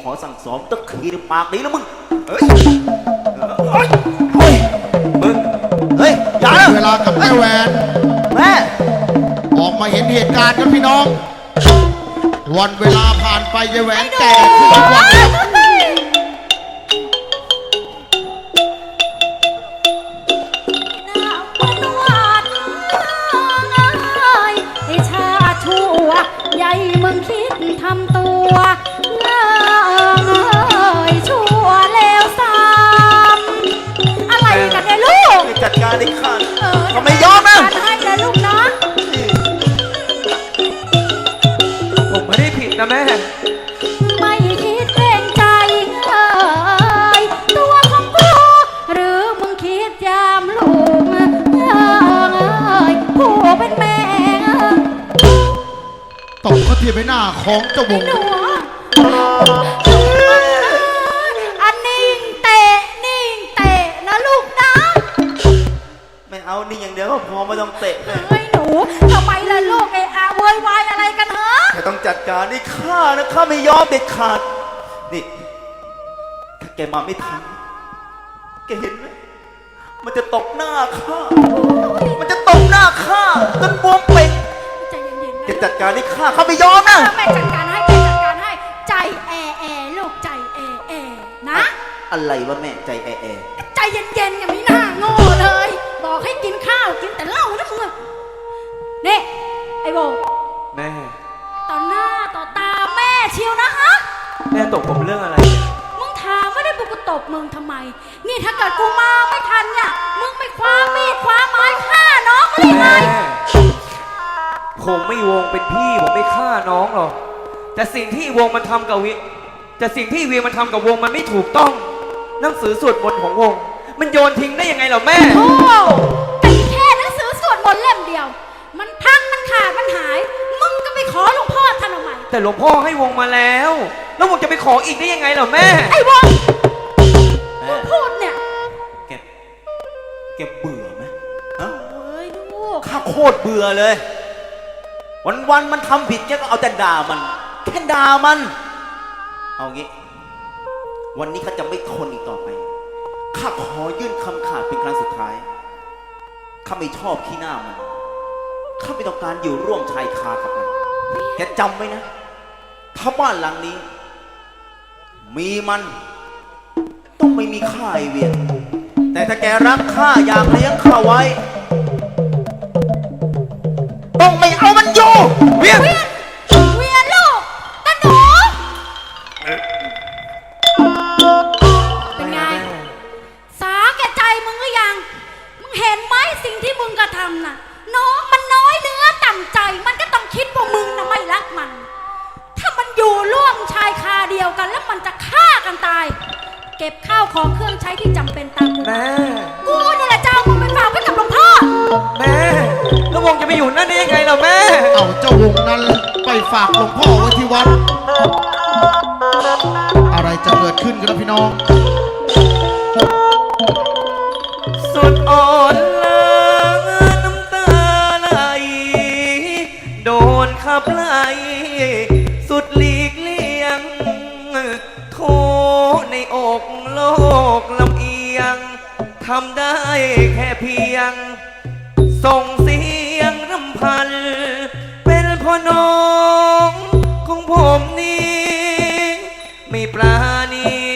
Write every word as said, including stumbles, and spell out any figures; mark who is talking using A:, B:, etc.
A: อสั่งสอนตะขีในปากนี้แล้วมึงเฮ้ยเฮ้ยเฮ้ยมึงเฮ้ยอย่านะ
B: เวลากับแม่แหวน
A: แม่
B: ออกมาเห็นเหตุการณ์ครับพี่น้องวันเวลาผ่านไปยายแหวนแก่ขึ้นทุกวัน
C: ใหญ่มึงคิดทำตัวเงยชั่วแล้วซ้ำอะไรกันเนี่ยลูก
A: จัดการได้ขาดก็ไม่ยอมนะ
C: ให้เลยลูกนะ
D: ผมไม่ได้ผิดนะแม่
C: ไม่คิดเกรงใจเอ่ยตัวของกูหรือมึงคิดยามลูกเอ่ยกูเป็นแม่
B: ตบเขาทีไปหน้าของเจ้าวง
C: อันนิ่งเตะนิ่งเตะนะลูกนะ
A: ไม่เอานี่อย่างเดียวก็พอไม่ต้องเตะเลย
C: เฮ้ยหนูทำไมล่ะลูกไอ้อาโวยวายอะไรกันฮะ
A: แค่ต้องจัดการนี่ข้านะข้าไม่ยอมเด็ดขาดนี่ถ้าแกมาไม่ทันแกเห็นไหมมันจะตกหน้าข้ามันจะตกหน้าข้าจนบวมเป่ง
C: ใจเย็นๆนะ
A: แกจัดการนี่ข้าข้าไม่ยอมนะ
C: แม่จัดการให้แม่จัดการให้ใจแอแอลูกใจแอแอนะ
A: อะไรวะแม่ใจแอแอ
C: ใจเย็นๆอย่างนี้น่าโง่เลยบอกให้กินข้าวกินแต่เหล้านะมึงนี่ไอ้โบ
D: แม่
C: ต่อหน้าต่อตาแม่เชียวนะฮะ
D: แม่ตบผมเรื่องอะไร
C: มึงถามไม่ได้กูตบมึงทำไมนี่ถ้าเกิดกูมาไม่ทันเนี่ยมึงไปคว้ามีดคว้าไม้ฆ่าน้องมาได้ไง
D: ผมไม่วงเป็นพี่ผมไม่ฆ่าน้องหรอกแต่สิ่งที่วงมันทำกับวิแต่สิ่งที่วีมันทำกับวงมันไม่ถูกต้องหนังสือสวดมนต์ของวงมันโยนทิ้งได้ยังไงเหรอแม่
C: โอ้แต่แค่หนังสือสวดมนต์เล่มเดียวมันพังมันขาดมันหายมึงก็ไปขอหลวงพ่อท่านทำไม
D: แต่หลวงพ่อให้วงมาแล้วแล้ววงจะไปขออีกได้ยังไงเหรอแม่
C: ไอ้วงมึงพูดเนี่ย
A: แกแกเบื่อไหมฮะ
C: เฮ้ยลูก
A: ข้าโคตรเบื่อเลยวันๆมันทำผิดแกก็เอาแต่ด่ามันแค่ด่ามันเอางี้วันนี้ข้าจะไม่ทนอีกต่อไปข้าขอยื่นคำขาดเป็นครั้งสุดท้ายข้าไม่ชอบขี้หน้ามันข้าไม่ต้องการอยู่ร่วมชายคากับมันแกจำไว้นะถ้าบ้านหลังนี้มีมันต้องไม่มีข้าไอเวียนแต่ถ้าแกรักข้าอยากเลี้ยงข้าไว้ต้องไม่เอามันอยู่เวียน
C: เวียนเวียนลูกตาหนูเป็นไงสาแก่ใจมึงหรือยังมึงเห็นไหมสิ่งที่มึงกระทำน่ะน้องมันน้อยเนื้อต่ำใจมันก็ต้องคิดว่ามึงน่ะไม่รักมันถ้ามันอยู่ร่วมชายคาเดียวกันแล้วมันจะฆ่ากันตายเก็บข้าวของเครื่องใช้ที่จำเป็นตามกู
D: แม่
C: กูนี่แหละเจ้ามึงไปฝากไว้กับหลวงพ่อ
D: แม่แล้ววงจะไปอยู่นั่นได้ยังไงล่ะแม่
B: เอาเจ้าวงนั้นไปฝากหลวงพ่อไว้ที่วัดอะไรจะเกิดขึ้นกันล่ะพี่น้อง
D: สุดอ่อนล้างน้ำตาไหลโดนขับไล่สุดหลีกเลี่ยงโทในอกโลกลำเอียงทำได้แค่เพียงส่งเสียงรำพันเป็นพ่อน้องของผมนี้ไม่ปราณี